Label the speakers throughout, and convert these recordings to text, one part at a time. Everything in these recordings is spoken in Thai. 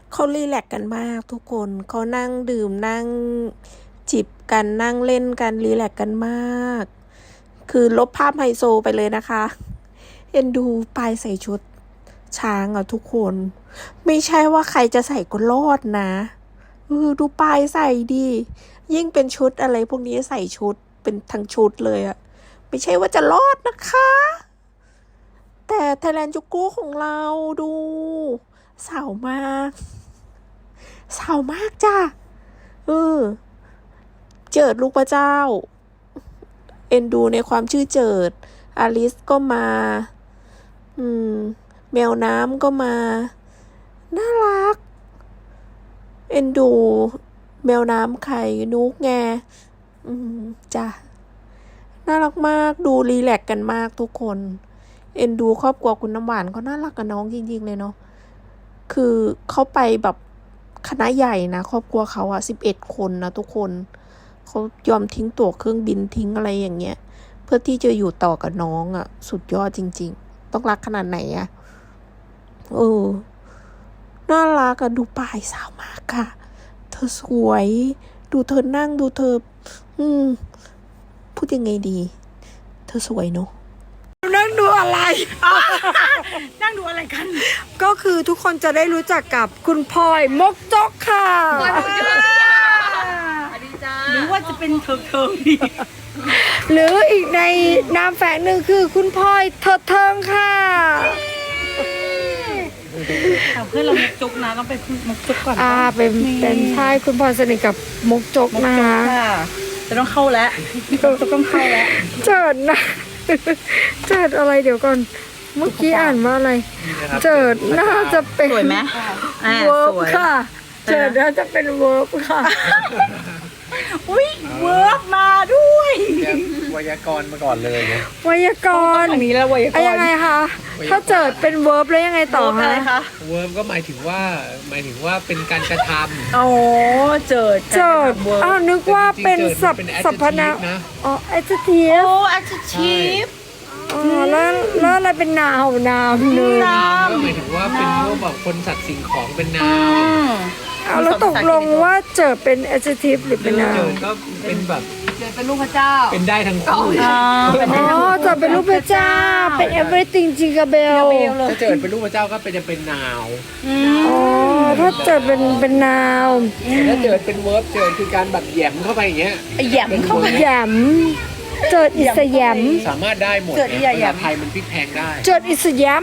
Speaker 1: เขารีแลกซ์กันมากทุกคนเขานั่งดื่มนั่งจิบกันนั่งเล่นกันรีแลกซ์กันมาก คือลบภาพไฮโซไปเลยนะคะเอ็นดูปายใส่ชุดช้างอ่ะทุกคน ไม่ใช่ว่าใครจะใส่ก็รอดนะดูปายใส่ดียิ่งเป็นชุดอะไรพวกนี้ใส่ชุดเป็นทั้งชุดเลยอ่ะไม่ใช่ว่าจะรอดนะคะ แต่ไทยแลนด์จูโก้ของเราดูสาวมากสาวมากจ้ะเจิดลูกพระเจ้าเอ็นดูในความชื่อเจิดอลิสก็มาแมวน้ำก็มาน่ารักเอ็นดูแมวน้ำไข่นุกไงจ้ะน่ารักมากดูรีแลกซ์กันมากทุกคนเอ็นดูครอบครัวคุณน้ำหวานเขาน่ารักกับน้องจริงๆเลยเนาะคือเขาไปแบบคณะใหญ่นะครอบครัวเขา11 คนนะทุกคนเขายอมทิ้งตั๋วเครื่องบินทิ้งอะไรอย่างเงี้ยเพื่อที่จะอยู่ต่อกับน้องสุดยอดจริงๆต้องรักขนาดไหนน่ารักดูปายสาวมากค่ะเธอสวยดูเธอนั่งดูเธอพูดยังไงดีเธอสวยเนาะนั่งดูอะไร
Speaker 2: นั่งดูอะไรกัน
Speaker 1: ก็คือทุกคนจะได้รู้จักกับคุณพลอยมกจกค่ะ
Speaker 2: หรือว่าจะเป็นเทิงดี
Speaker 1: หรืออีกในนามแฝงหนึ่งคือคุณพลอยเถิดเทิงค่ะ
Speaker 2: เพื่อนเรามกจกนะต้องไปมกจกก่อน
Speaker 1: เป็นใช่คุณพลอยสนิทกับมกจกนะคะ
Speaker 2: จะต้องเข้าแล้วต้องเข้าแล้ว
Speaker 1: เจิดนะเจิดอะไรเดี๋ยวก่อนเมื่อกี้อ่านว่าอะไรเจิดน่าจะเป็น
Speaker 2: สวยไหม
Speaker 1: เวิร์บค่ะเจิดน่าจะเป็นเวิร์บค่ะ
Speaker 2: อุ้ยเวิร์บมาด้วย
Speaker 3: ไวยากรณ์มาก่อนเลยนะ
Speaker 1: ไวยากรณ์
Speaker 2: อันนี้แล้วไวยากรณ์
Speaker 1: ยังไงคะถ้าเจิดเป็นเวิร์บแล้วยังไงต่อ
Speaker 2: คะ
Speaker 3: เวิร์บก็หมายถึงว่าเป็นการกระทำ
Speaker 2: อ๋อเจิด
Speaker 1: นึกว่าเป็นสรรพนามadjective
Speaker 2: adjective
Speaker 1: แล้วอะไรเป็นนาม
Speaker 3: ก็หมายถึงว่าเป็นพวกแบบคนสัตว์สิ่งของเป็นนาม
Speaker 1: แล้วตกลงว่าเจอเป็น adjective หรือเป็นนาม
Speaker 3: เจอก็เป็นแบบ
Speaker 2: เจอเป็นลูกพระเจ้า
Speaker 3: เป็นได้ทั้งคู่
Speaker 1: เจอเป็นลูกพระเจ้าเป็น everything จิงกะเบล
Speaker 3: ถ้าเจอเป็นลูกพระเจ้าก็เป็นนาว
Speaker 1: ถ้าเจอเป็นนาว
Speaker 3: ถ้าเจอเป็นเวิร์บเจอคือการแบบแยมเข้าไปอย่างเงี้ย
Speaker 2: แยมเข้าไป
Speaker 1: แยมเจิดอิสยาม
Speaker 3: สามารถได้หมดภาษาไทยมันพลิกแพงได้
Speaker 1: เจิดอิสยาม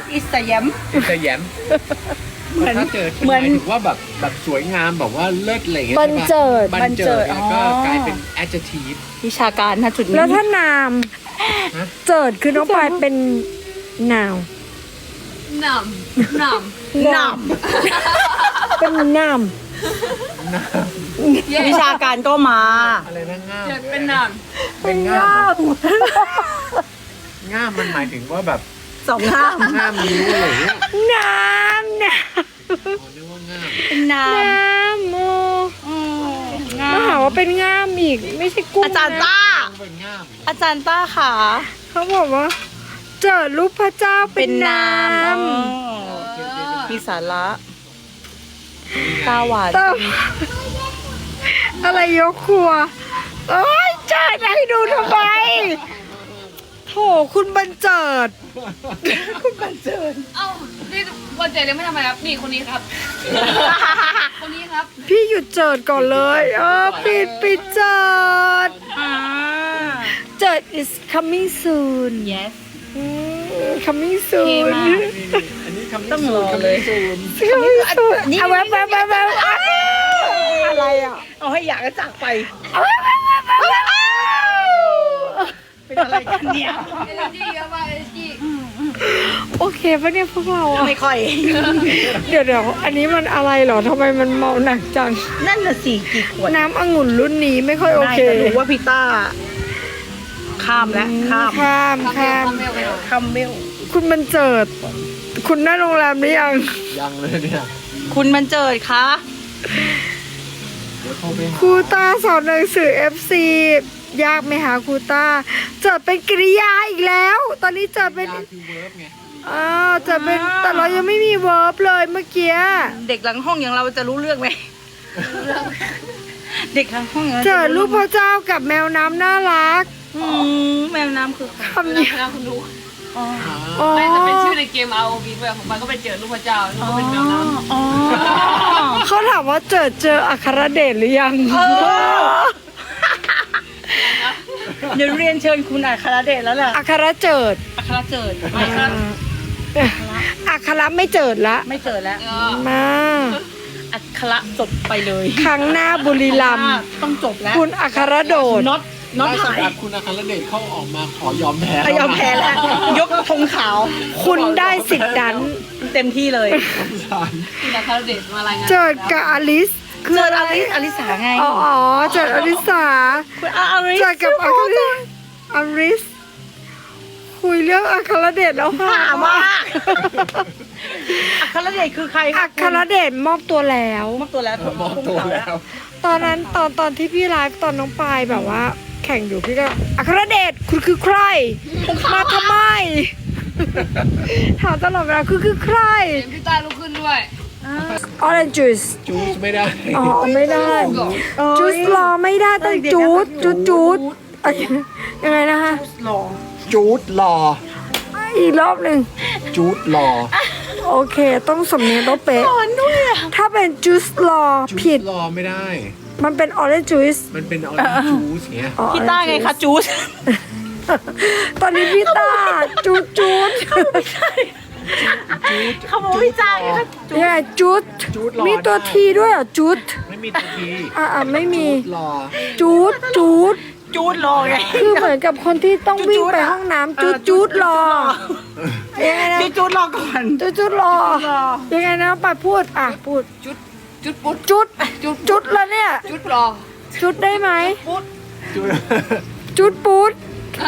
Speaker 3: ถ้าเจิดหมายถึงว่าแบบสวยงามแบบว่าเลิศอะไรเงี้ย
Speaker 1: บันเจิด
Speaker 3: ก็กลายเป็น adjective
Speaker 2: วิชาการนะจุดนี้
Speaker 1: แล้วถ้านามเจิดคือน้องปายเป็นนาวเป็นนาม
Speaker 2: วิชาการก็มา
Speaker 3: อะไรนะง่าม
Speaker 2: เป็นนาม
Speaker 3: ง่ามมันหมายถึงว่าแบบ
Speaker 2: สองง่าม
Speaker 3: นิ้วอะไรเงี้ย
Speaker 1: น้ำ
Speaker 3: นึกว่าง่าม
Speaker 2: เป็นน้
Speaker 1: ำมาหาว่าเป็นง่ามอีกไม่ใช่กุ้ง
Speaker 2: อาจารย์ต้าค่ะ
Speaker 1: เขาบอกว่าเจอรูปพระเจ้าเป็นน้
Speaker 2: ำมีสาระตาหวาน
Speaker 1: อะไรยกครัวเอ้ยเจิดให้ดูทำไมโถคุณบรรเจิด
Speaker 4: เอ้านี่วันเจิดยังไม่ทำอะไรครับนี่คนนี้ครับคนนี้ครับ
Speaker 1: พี่หยุดเจิดก่อนเลยปิดเจิดเจิด is coming soon
Speaker 2: yes
Speaker 1: coming soon
Speaker 3: อันนี้
Speaker 2: ต้องรอเลย
Speaker 1: เอาแว๊บอะไร
Speaker 2: เอาให้อยากจะจากไปเป็นอะไรกันเนี่ย
Speaker 4: energy เยอะมาก energy
Speaker 1: โอเคปะเนี่ยพวกเรา
Speaker 2: ไม่ค่อย
Speaker 1: เดี๋ยวอันนี้มันอะไรหรอทำไมมันเมาหนักจัง
Speaker 2: นั่นน่ะสิกี่ขวด
Speaker 1: น้ำองุ่นรุ่นนี้ไม่ค่อยโอเค
Speaker 2: รู้ว่าพี่ต้าข้ามเมล
Speaker 1: คุณบรรเจิดคุณได้โรงแรมหรือยัง
Speaker 3: เลยเนี่ย
Speaker 2: คุณบรรเจิดคะ
Speaker 1: ครูต้าสอนหนังสือ FC ยากไหมคะครูต้าเจิดเป็นกริยาอีกแล้วตอนนี้เจิดเป็น
Speaker 5: อ้าวจะเป็นแต่เรายังไม่มีเวิร์บเลยเมื่อกี้
Speaker 2: เด็กหลังห้องอย่างเราจะรู้เรื่องไหมเด็กหลังห้องอย่างเรา
Speaker 5: เจอรูปพระเจ้ากับแมวน้ำน่ารัก
Speaker 2: แมวน้ำคือใคร
Speaker 5: คำนี้
Speaker 4: นะคุณดู
Speaker 5: อ๋อ
Speaker 4: ไม่จะเป็นชื่อในเกม ROV แบบของมันก็ไปเจอลูกพระเจ้าแล้วก็เป็นแมวน้ำ
Speaker 2: อ๋อ
Speaker 5: เขาถามว่าเจออัครเดชหรือยัง
Speaker 2: เดี๋ยวเรียนเชิญคุณอัครเดชแล้วแหละ
Speaker 5: อัครเจิด
Speaker 2: อัครเจิดไม่ครับ
Speaker 5: อัครไม่เจิดละ
Speaker 2: ไม่เจิดแล้ว
Speaker 5: มา
Speaker 2: อัครจบไปเลย
Speaker 5: ครั้งหน้าบุรีรัมย์
Speaker 2: ต้องจบแล้ว
Speaker 5: คุณอัครโดด
Speaker 2: น็อต
Speaker 3: ล่าสุ
Speaker 2: หา
Speaker 3: ด
Speaker 2: ย
Speaker 3: ครับคุณอาคารเดชเขาออกมาขอยอมแพ้
Speaker 2: ยอมแพ้แล้ว ยกธงขาว
Speaker 5: คุณได้สิทธิ์นั้น
Speaker 2: เต็มที่เลย
Speaker 4: ที่นักคาราเดชมารายงาน
Speaker 5: เจิดกับอลิสคือ
Speaker 2: เจอ
Speaker 5: อะไร
Speaker 2: อลิสาไง
Speaker 5: อ๋อเจิดอลิสา
Speaker 2: คุณอลิ
Speaker 5: เจอกับอัครเดชอลิสคุยเรื่องอัครเดชแล้วค่ะ
Speaker 2: ถามว่าอัครเดชคือใคร
Speaker 5: อัครเดชมอบตัวแล้ว
Speaker 2: มอบตัวแล้ว
Speaker 3: มอบตัวแล้ว
Speaker 5: ตอนนั้นตอนที่พี่ไลฟ์ตอนน้องปายแบบว่า แข่งอยู่พี่ก็อัครเดชคุณคือใคร มาทำไม ถามตลอดเวลาคือใคร
Speaker 4: เกมพี่ต้าลุกขึ้นด้วย
Speaker 5: Orange juice
Speaker 3: จูสไม่ได้
Speaker 5: อ๋อไม่ได้จูสรอไม่ได้ต้องจูดยังไงนะคะ
Speaker 3: จูดรอ
Speaker 5: อีกรอบหนึ่ง
Speaker 3: จูดรอ
Speaker 5: โอเค ต้องสำเนียงต้องเป๊ะถ้าเป็นจูสรอ
Speaker 3: จู
Speaker 5: ผิด
Speaker 3: ดรอไม่ได้
Speaker 5: มันเป็น orange juice
Speaker 3: มันเป็นออริจูสเงี้ย
Speaker 5: อ๋อ
Speaker 2: พี่ต้าไงคะจูส
Speaker 5: ตอนนี้พี่ต้าจูด
Speaker 2: เขาบอกพี่ต้าไงคะ
Speaker 5: ยังไงจูด
Speaker 3: จูดรอ
Speaker 5: มีตัว
Speaker 3: ได้
Speaker 5: ทีด้วยเหรอจูด
Speaker 3: ไม่มีตัวที
Speaker 5: ไม่มี
Speaker 3: จูดรอ
Speaker 5: จูด
Speaker 2: จูดรอไง
Speaker 5: คือเหมือนกับคนที่ต้องวิ่งไปห้องน้ำจูดรอยังไงนะ
Speaker 2: จูดรอก่อน
Speaker 5: จูดรอยังไงนะปัดพูดพูด
Speaker 4: จุดปุ๊ด
Speaker 5: จุดแล้วเนี่ย
Speaker 4: จุดรอ
Speaker 5: จุดได้ไหม
Speaker 3: จูด
Speaker 5: จุดปูด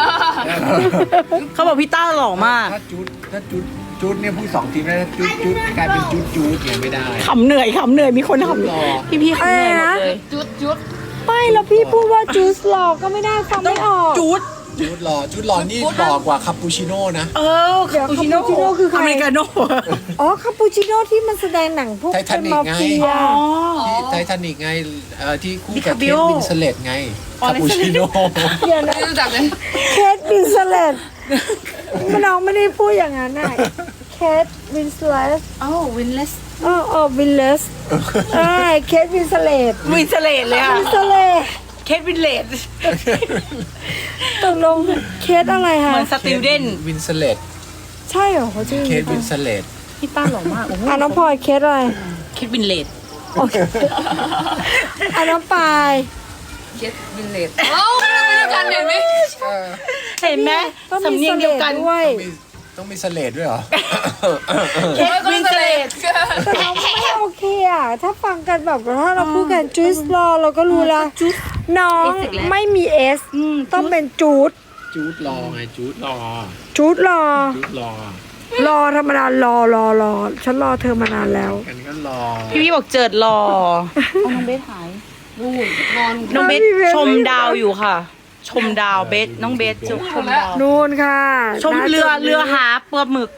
Speaker 2: เขาบอกพี่ต้าหล่อมาก
Speaker 3: ถ้าจูดเนี่ยพูดสองทีไม่ได้จูดกลายเป็นจูดเนี่ยไม่ได้
Speaker 2: ขำเหนื่อยมีคน
Speaker 3: จูด
Speaker 2: ขำ
Speaker 3: รอ
Speaker 2: พี่ขำเหนื่อยหมดเลย
Speaker 4: จุด
Speaker 5: ไม่แล้วพี่พูดว่าจูสรอก็ไม่ได้ฟังไม่ออก
Speaker 2: จูด
Speaker 3: จูดรอนี่หล่อกว่าคาปูชิโน่นะ
Speaker 5: เดี๋ยวคาปูชิโน่คือใคร
Speaker 2: อเมริกาโน่
Speaker 5: อ๋อคาปูชิโน่ที่มันแสดงหนังพวก
Speaker 3: ไททานิก
Speaker 5: มา
Speaker 3: ไง
Speaker 5: เฟีย
Speaker 3: ที่ไททานิกไงที่คู่กับเค
Speaker 2: DiCaprio
Speaker 3: ทวินสเลตไงคาปูชิโน่
Speaker 5: เดี๋ยวนะ
Speaker 4: ไม่รู้จักเลย
Speaker 5: เคทวินสเลตน้องไม่ได้พูดอย่างนั้นน่ะเคทวินสเลต
Speaker 2: โอ้วินเลส
Speaker 5: วินเลสเคทวินสเลต
Speaker 2: วินสเลตเลยค่ะ
Speaker 5: วินสเลต
Speaker 2: เคทวินเลต
Speaker 5: ตกลงเคทอะไร
Speaker 2: เห
Speaker 5: คะ
Speaker 2: มือนสติวเดน
Speaker 3: วินสเลต
Speaker 5: ใช่เหรอเขาชื่อ
Speaker 3: เคทวินสเลต
Speaker 2: พี่ต้าหล่อมากโอ้โห
Speaker 5: น้องพลอยเคทอะไร
Speaker 2: เคทวินเลต
Speaker 5: โอเคน้องปาย
Speaker 4: เจ็ดวินเลตเอ้าไม่รู้จักเห็นไหม
Speaker 2: เห็นไหม
Speaker 5: ต้อง
Speaker 2: สำ
Speaker 5: มี
Speaker 2: เนียงเดียวกัน
Speaker 5: ด้วย
Speaker 3: ต้องมีสเลตด้วยเหรอ
Speaker 2: เคทวินเลต
Speaker 5: แต่น้องไม่โอเคอ่ะ ถ้าฟังกันแบบถ้าเราพูดกันจูสรอเราก็รู้แล้วน้องไม่มีเอสต้องเป็นจูด
Speaker 3: จูดรอไงจูดรอ
Speaker 5: จูดรอ
Speaker 3: จูดรอ
Speaker 5: รอธรรมดารอฉันรอเธอมานานแล้ว
Speaker 3: กันก็รอ
Speaker 2: พี่บอกเจิดหล่อน้องเบสหาย
Speaker 4: นู่นนอน
Speaker 2: น้องเบส
Speaker 5: พี่เบส
Speaker 2: ชมดาวอยู่ค่ะ ชมดาวเบสน้องเบสชมดาว
Speaker 5: นู่นค่ะ
Speaker 2: ชมเรือหาปลาหมึก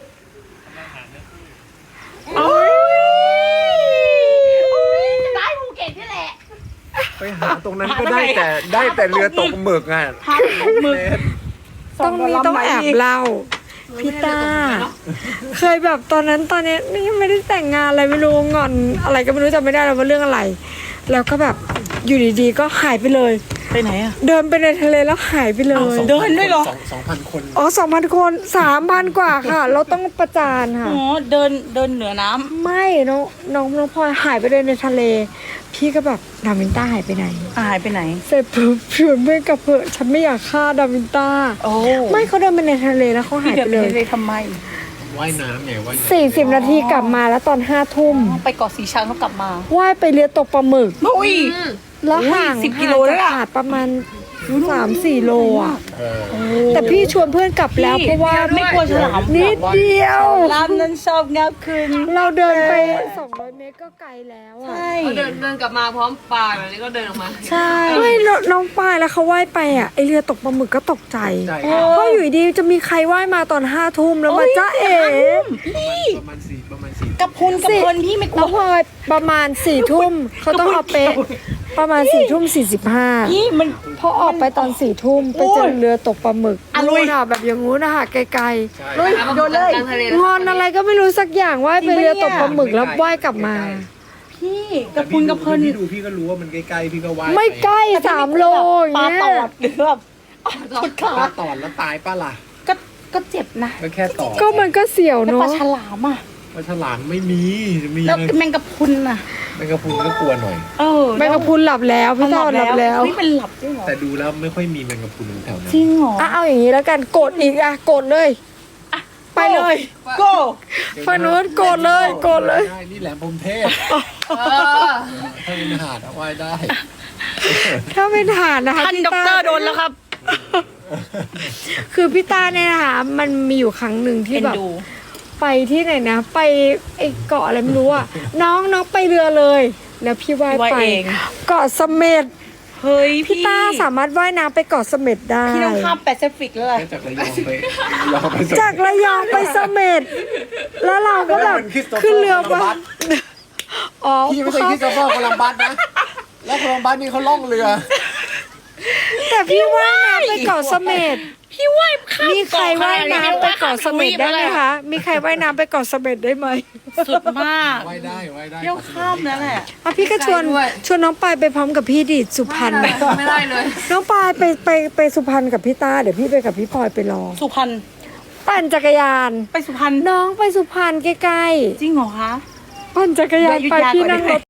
Speaker 4: ได้ภูเก็ตนี่แหละ
Speaker 3: ไปหาตรงนั้นก็ได้แต่เรือตกหมึกอ่ะ
Speaker 2: หมึก
Speaker 5: ต้องแอบเล่าพี่ต้าเคยแบบตอนนี้ยังไม่ได้แต่งงานอะไรไม่รู้งอนอะไรก็ไม่รู้จำไม่ได้แล้วว่าเรื่องอะไร แล้วก็แบบอยู่ดีๆก็หายไปเลย
Speaker 2: ไปไหนอ่ะ
Speaker 5: เดินไปในทะเลแล้วหายไปเลย
Speaker 2: เดินด้วยเหรอ
Speaker 3: 2,000 คน
Speaker 5: อ๋อ2,000 คน3,000 กว่าค่ะ เราต้องประจานค่ะ
Speaker 2: อ๋อเดินเหนือน้ำ
Speaker 5: ไม่น้องพลอยหายไปเลยในทะเล พี่ก็แบบดาวินต้าหายไปไหน
Speaker 2: หายไปไหน
Speaker 5: เสร็จปุ๊บเพื่อนเพื่อนกับเพื่อนฉันไม่อยากฆ่าดาวินต้า
Speaker 2: โอ้
Speaker 5: ไม่เขาเดินไปในทะเลแล้วเขาหาย
Speaker 2: เดี๋ยว
Speaker 5: ไปเลย
Speaker 2: เลยทำไม
Speaker 3: ว่ายน้ำไงว่ายน้ำ
Speaker 5: 40 นาทีกลับมาแล้วตอน5 ทุ่ม
Speaker 2: ไปเกาะสีชังแล้วกลับมา
Speaker 5: ว่ายไปเรือตกปลาหมึก
Speaker 2: อุ้ย
Speaker 5: แล้วห่าง
Speaker 2: 10กิโลแล้วอะ
Speaker 5: ห่างจากหาดประมาณ 3-4 โลอ่ะ
Speaker 3: เออ
Speaker 5: แต่พี่ชวนเพื่อนกลับแล้วเพราะว่า
Speaker 2: ไม่กลัวฉลาม
Speaker 5: นิดเดียว
Speaker 2: ลามนั้นชอบงับคืน
Speaker 5: เราเดินไป200 เมตรก็ไกลแล้วอ่ะ
Speaker 2: ใช่
Speaker 4: เขาเดินกลับมาพร้อมปลาแบบนี้ก็เดินออกมา
Speaker 2: ใช่
Speaker 5: ไม่น้องปายแล้วเขาว่ายไปอ่ะไอเรือตกปลาหมึกก็ตกใจ
Speaker 3: ใช่
Speaker 5: เพราะอยู่ดีจะมีใครว่ายมาตอน5 ทุ่มแล้วมาจ้าเอ๋
Speaker 3: ประมาณสี่
Speaker 2: กับพุนกับเพลินพี่ไม่กลั
Speaker 5: แล้ว วพอประมาณ4 ทุ่มเขาต้องเอาเป๊ะประมาณ4 ทุ่ม 45
Speaker 2: พี่มัน
Speaker 5: พอออกไปตอน4 ทุ่มไปเจอเรือตกปลาหมึก
Speaker 2: อ่ะลุย
Speaker 5: นู่นอ่ะแบบอย่างงู้นนะคะไกล
Speaker 2: ลุยโดนเลย
Speaker 4: กลางทะเล
Speaker 5: ๆงอนอะไรก็ไม่รู้สักอย่างว่ายไปเรือตกปลาหมึกแล้วว่ายกลับมา
Speaker 2: พี่กับพุนกับเพลิน
Speaker 3: พี่ดูพี่ก็รู้ว่ามันใกล้ๆพี่ก็ว่าย
Speaker 5: ไม่ใกล้3 โลอย่าง
Speaker 2: ปลา
Speaker 5: เงี้
Speaker 2: ตอย ดหรือแบบชุดขา
Speaker 3: ปลาตอดแล้วตายป้าล่ะ
Speaker 2: ก็เจ็บนะ
Speaker 3: ก็แค่ตอด
Speaker 5: ก็มันก็เสี่ยว
Speaker 2: แล้ว
Speaker 5: เนาะ
Speaker 2: ปลาฉลามอ่ะ
Speaker 3: ปลาฉลามไม่มีมี
Speaker 2: แล้วแมงกะพรุนอ่ะ
Speaker 3: แมงกะพรุนก็กลัวหน่อย
Speaker 5: แมงกะพรุนหลับแล้วพี่ต้อนหลับแล้ว
Speaker 2: นี่เป็นหลับจริงเหรอ
Speaker 3: แต่ดูแล้วไม่ค่อยมีแมงกะพรุนแถวนั้น
Speaker 2: จริงเหรอ
Speaker 5: อ่ะเอาอย่างนี้แล้วกันกดอีกอ่ะกดเลย ไปเลย
Speaker 2: โก้
Speaker 5: ฝั่งนู้นกดเลยกดเลย
Speaker 3: ได้นี่แหลมพรหมเทพ
Speaker 4: เออ
Speaker 3: ถ้าเป็นหาดเอาไว้ได้
Speaker 5: ถ้าเป็นฐานนะคะ
Speaker 2: ท่าน
Speaker 5: พี่
Speaker 2: ด็อกเตอร์โดนแล้วครับ
Speaker 5: คือพี่ตาเนี่ยนะคะมันมีอยู่ครั้งหนึ่งที่
Speaker 2: เอ็น
Speaker 5: แบบ
Speaker 2: ดู
Speaker 5: ไปที่ไหนนะ ไปไอเกาะอะไรไม่รู้อ่ะ น้องไปเรือเลย แล้วพี่ว่าย
Speaker 2: ว่าย
Speaker 5: ไป
Speaker 2: เอง
Speaker 5: เกาะเสม็ด
Speaker 2: เฮ้ย
Speaker 5: พี่ตาสามารถว่ายน้ำไปเกาะเสม็ดได้
Speaker 2: พี่ต้องข้ามแปซิฟิกแล้วเหรอ
Speaker 3: แค่จากระยองไปเราไปส่ง
Speaker 5: จากระยองไปเสม็ดแล้วเราก็แบบ
Speaker 3: มันคริสโตเฟอร์
Speaker 5: ขึ้นเรือไป
Speaker 3: โคลัมบัส
Speaker 5: อ๋อ
Speaker 3: พี่ไม่ใช่คริสโตเฟอร์โคลัมบัสนะ แล้วโคลัมบัสนี่เขาล่องเรือ
Speaker 5: แต่พี่ว่ายน้ำไปเกาะเสม็ด
Speaker 2: พี่ว่ายข้าม
Speaker 5: มีใครว่ายน้ำไปเกาะเสม็ดได้ไหมคะ มีใครว่ายน้ำไปเกาะเสม็ดได้ไหม
Speaker 2: สุดมาก
Speaker 3: ว่ายได้ว่ายได้
Speaker 2: เที่ยวข้ามนั่นแหละ
Speaker 5: อ่ะพี่ก็ชวนน้องปายไปพร้อมกับพี่ดิสุพรรณ
Speaker 4: ไม่ได้เลย
Speaker 5: น้องปายไปสุพรรณกับพี่ตาเดี๋ยวพี่ไปกับพี่พลอยไปรอ
Speaker 2: สุพรรณ
Speaker 5: ปั่นจักรยาน
Speaker 2: ไปสุพรรณ
Speaker 5: น้องไปสุพรรณใกล้
Speaker 2: จริงเหรอคะ
Speaker 5: ๆปั่นจักรยานไปพี่นั่งรถ